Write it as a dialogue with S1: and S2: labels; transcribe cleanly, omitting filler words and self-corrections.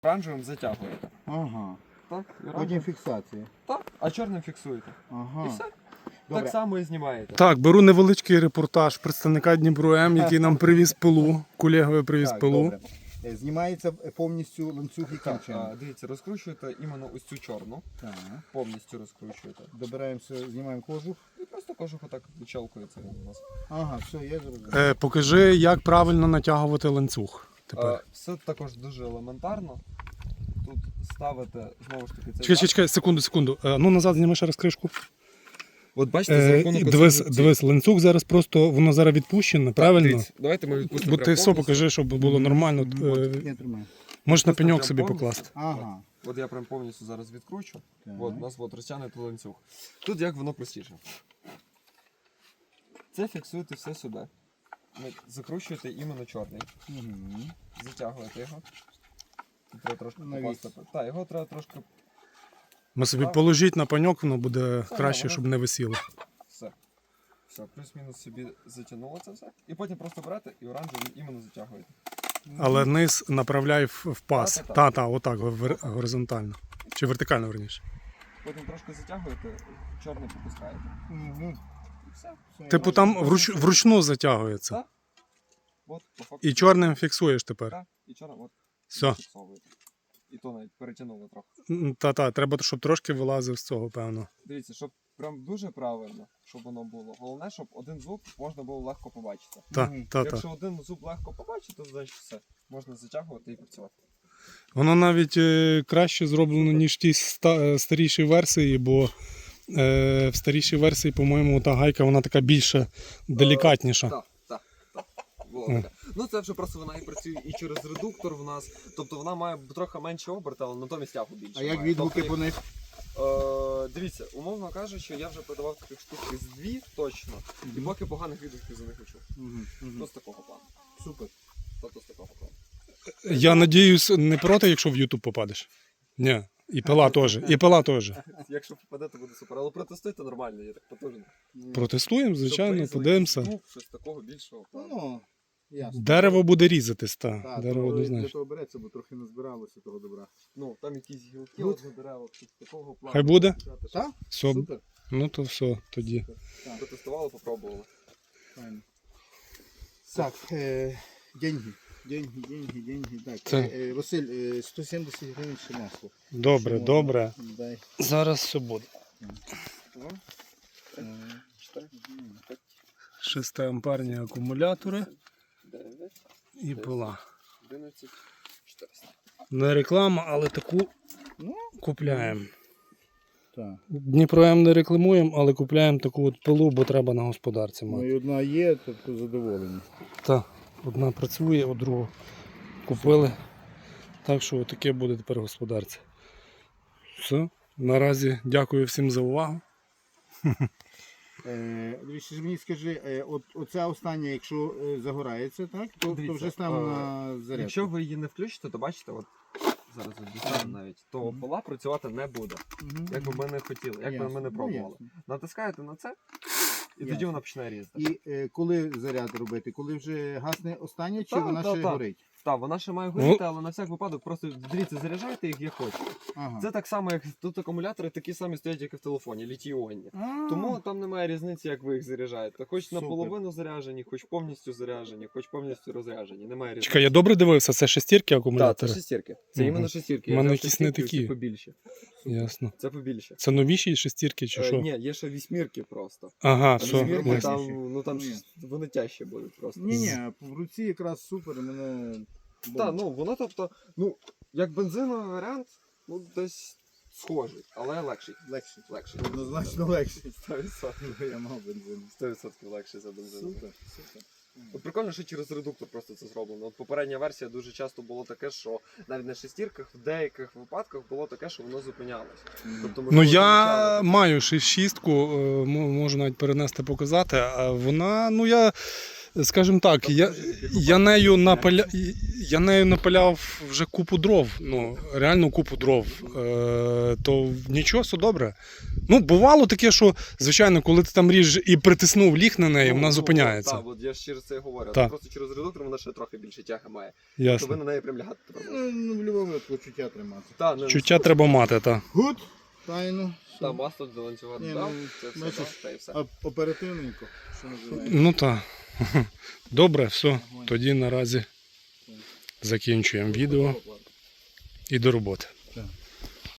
S1: Оранжевим затягуєте.
S2: Ага.
S1: Так,
S2: Потім фіксація.
S1: Так, а чорним фіксуєте.
S2: Ага.
S1: І все.
S2: Добре.
S1: Так само і знімаєте.
S3: Так, беру невеличкий репортаж представника Дніпро-М, який нам привіз пилу. Колегові привіз
S2: Так,
S3: пилу.
S2: добре. Знімається повністю ланцюг яким
S1: Так,
S2: чином?
S1: дивіться, розкручуєте іменно ось цю чорну.
S2: Так.
S1: Повністю розкручуєте.
S2: Добираємося, знімаємо кожух.
S1: І просто кожух отак відчалкується у нас.
S2: Ага, все, я зрозумів.
S3: Покажи, як правильно натягувати ланцюг. Тепер.
S1: Все також дуже елементарно. Тут ставите, знову ж таки, цей
S3: Чекай, секунду. Ну назад зніми ще раз кришку.
S1: От бачите, за рахунок
S3: Дивись, ланцюг зараз просто, воно зараз відпущено, правильно?
S1: Дивіться, давайте ми відпустимо.
S3: Бо ти
S1: прям
S3: все
S1: повністю.
S3: покажи, щоб було нормально.
S2: Я тримаю.
S3: Можеш на
S1: Просто
S3: пеньок
S1: прям
S3: собі
S1: повністю.
S3: покласти.
S2: Ага.
S1: От я прям повністю зараз відкручу.
S2: Так.
S1: От, у нас от розтягнутий ланцюг. Тут як воно простіше. Це фіксуєте все сюди. Закручуєте іменно чорний.
S2: Угу.
S1: Затягуєте його. Тут треба трошки
S2: Навіс.
S1: попасти. Так, його треба трошки.
S3: Ми собі положіть на пеньок, воно буде
S1: Все,
S3: краще,
S1: воно-
S3: щоб не висіло.
S1: Все. Все, плюс-мінус собі затягнуло це все. І потім просто берете і оранжевий іменно затягуєте.
S3: Але низ направляй в пас.
S1: Та-та-та.
S3: Та, отак, горизонтально. Чи вертикально, верніше.
S1: Потім трошки затягуєте, чорний попускаєте.
S2: Угу.
S1: І все.
S3: Типу там вручну затягується.
S1: Так. От, по факту.
S3: І чорним фіксуєш тепер.
S1: Так, і чорним от.
S3: Все.
S1: Фіксовуєте. І то навіть перетягнуло трохи.
S3: Та, треба, щоб трошки вилазив з цього, певно.
S1: Дивіться, щоб прям дуже правильно, щоб воно було. Головне, щоб один зуб можна було легко побачити.
S3: Та.
S1: Якщо один зуб легко побачити, то значить все. Можна затягувати і працювати.
S3: Воно навіть краще зроблено, ніж ті старіші версії, бо в старішій версії, по-моєму, та гайка вона така більше делікатніша.
S1: Так. Було таке. Ну це вже просто вона і працює і через редуктор в нас. Тобто вона має трохи менше оберти, але натомість тягу більше.
S2: А як
S1: має.
S2: відгуки
S1: Тобто,
S2: по них?
S1: дивіться, умовно кажучи, я вже продавав таких штук з дві точно, і поки поганих відгуків за них не чув. Ну з такого плану.
S2: Супер.
S1: Тобто з такого плану.
S3: Я надіюсь, не проти, якщо в YouTube попадеш. Ні, і пила теж. І пила теж.
S1: Якщо попаде, то буде супер. Але протестуйте нормально, я так потужно.
S3: Протестуємо, звичайно,
S1: Щоб
S3: подивимося.
S1: звук, щось такого більшого.
S2: Ну, ясно.
S3: Дерево буде різатись,
S2: Так,
S3: дерево
S2: для
S3: однозначно.
S2: того береться, бо трохи назбиралося того добра.
S1: Ну, там якісь гілки от на деревах, тут такого плану.
S3: Хай буде?
S2: Так?
S3: Все,
S2: Супер.
S3: ну то все тоді.
S1: Протестували, попробували.
S2: Файно. Так, деньги. Так,
S3: Це-
S2: Василь, 170 гривень ще масло.
S3: Добре,
S2: Ще
S3: добре.
S2: можна. Дай.
S3: Зараз все буде.
S1: 4, 5,
S3: 6-амперні акумулятори
S1: 9,
S3: і пила.
S1: 11, 400.
S3: Не реклама, але таку
S2: Ну.
S3: купляємо.
S2: Так.
S3: Дніпро-М не рекламуємо, але купляємо таку от пилу, бо треба на господарці
S2: Ну
S3: мати.
S2: і одна є, тобто задоволені.
S3: Та, одна працює, а другу купили. Так що таке буде тепер господарці. Все. Наразі дякую всім за увагу.
S2: Дивіться, мені скажи, оця остання, якщо загорається, так, то
S1: Дивіться,
S2: вже ставимо на зарядку.
S1: Якщо ви її не включите, то бачите, от зараз от дістану навіть, то пила працювати не буде.
S2: Мгм.
S1: Як би ми не хотіли, як би
S2: Ясно.
S1: ми не
S2: Ну,
S1: пробували.
S2: ясно.
S1: Натискаєте на це, і тоді
S2: Ясно.
S1: вона починає різати.
S2: І коли заряд робити? Коли вже гасне остання, чи
S1: Та,
S2: вона
S1: та,
S2: ще
S1: та.
S2: горить?
S1: Так, вона ще має горіти, але на всяк випадок просто дивіться, заряджайте їх як хочете.
S2: Ага.
S1: Це так само, як тут акумулятори такі самі стоять, як і в телефоні, літій-іонні. Тому там немає різниці, як ви їх заряджаєте. Хоч
S2: Супер.
S1: наполовину заряджені, хоч повністю заряджені, хоч повністю розряджені. Немає різниці.
S3: Чекай, я добре дивився, це шестірки
S1: Так, це
S3: акумулятори?
S1: шестірки. Це
S3: Мгм.
S1: іменно шестірки.
S3: У
S1: Я
S3: мене
S1: взяв
S3: якісь не
S1: шестірки,
S3: такі.
S1: Це побільше.
S3: Ясно.
S1: Це побільше.
S3: Це новіші шестірки чи що?
S1: Ні, є ще вісьмірки просто.
S3: Ага,
S1: А
S3: все.
S1: вісьмірки
S2: ясно.
S1: там, ну там
S2: Ні.
S1: вони тяжчі будуть просто.
S2: Ні, в руці якраз супер, мене...
S1: Так, ну воно тобто, ну, як бензиновий варіант, ну десь схожий, але легший.
S2: Легше.
S1: Легший.
S2: Однозначно легше.
S1: 100%.
S2: Я мав бензин.
S1: 100% легший за бензиновий.
S2: Супер, супер.
S1: От прикольно, що через редуктор просто це зроблено. От попередня версія дуже часто було таке, що навіть на шестірках в деяких випадках було таке, що воно зупинялось. Тобто,
S3: Ну
S1: можливо,
S3: я
S1: замічали.
S3: маю шістку, можу навіть перенести показати, а вона, ну я скажімо так, я нею напиляв вже купу дров, ну, реально купу дров. То нічого, все добре. Ну, бувало таке, що, звичайно, коли ти там ріжеш і притиснув ліг на неї, вона зупиняється.
S1: Так, от я ж через це і говорю.
S3: Так.
S1: Просто через редуктор вона ще трохи більше тяги має. То
S3: Ясно.
S1: ви на неї прям лягати треба.
S2: Ну, в будь-якому випадку чуття тримати.
S1: Та, не,
S3: Чуття треба мати, так.
S2: Гуд, тайно.
S1: Та, масло до ланцюга
S2: Ні,
S1: додав,
S2: ну,
S1: це все,
S2: бачиш,
S1: дав, та і все.
S2: Оперативненько, що називається.
S3: Ну так. Добре, все. Тоді наразі закінчуємо відео і до роботи.
S2: Так.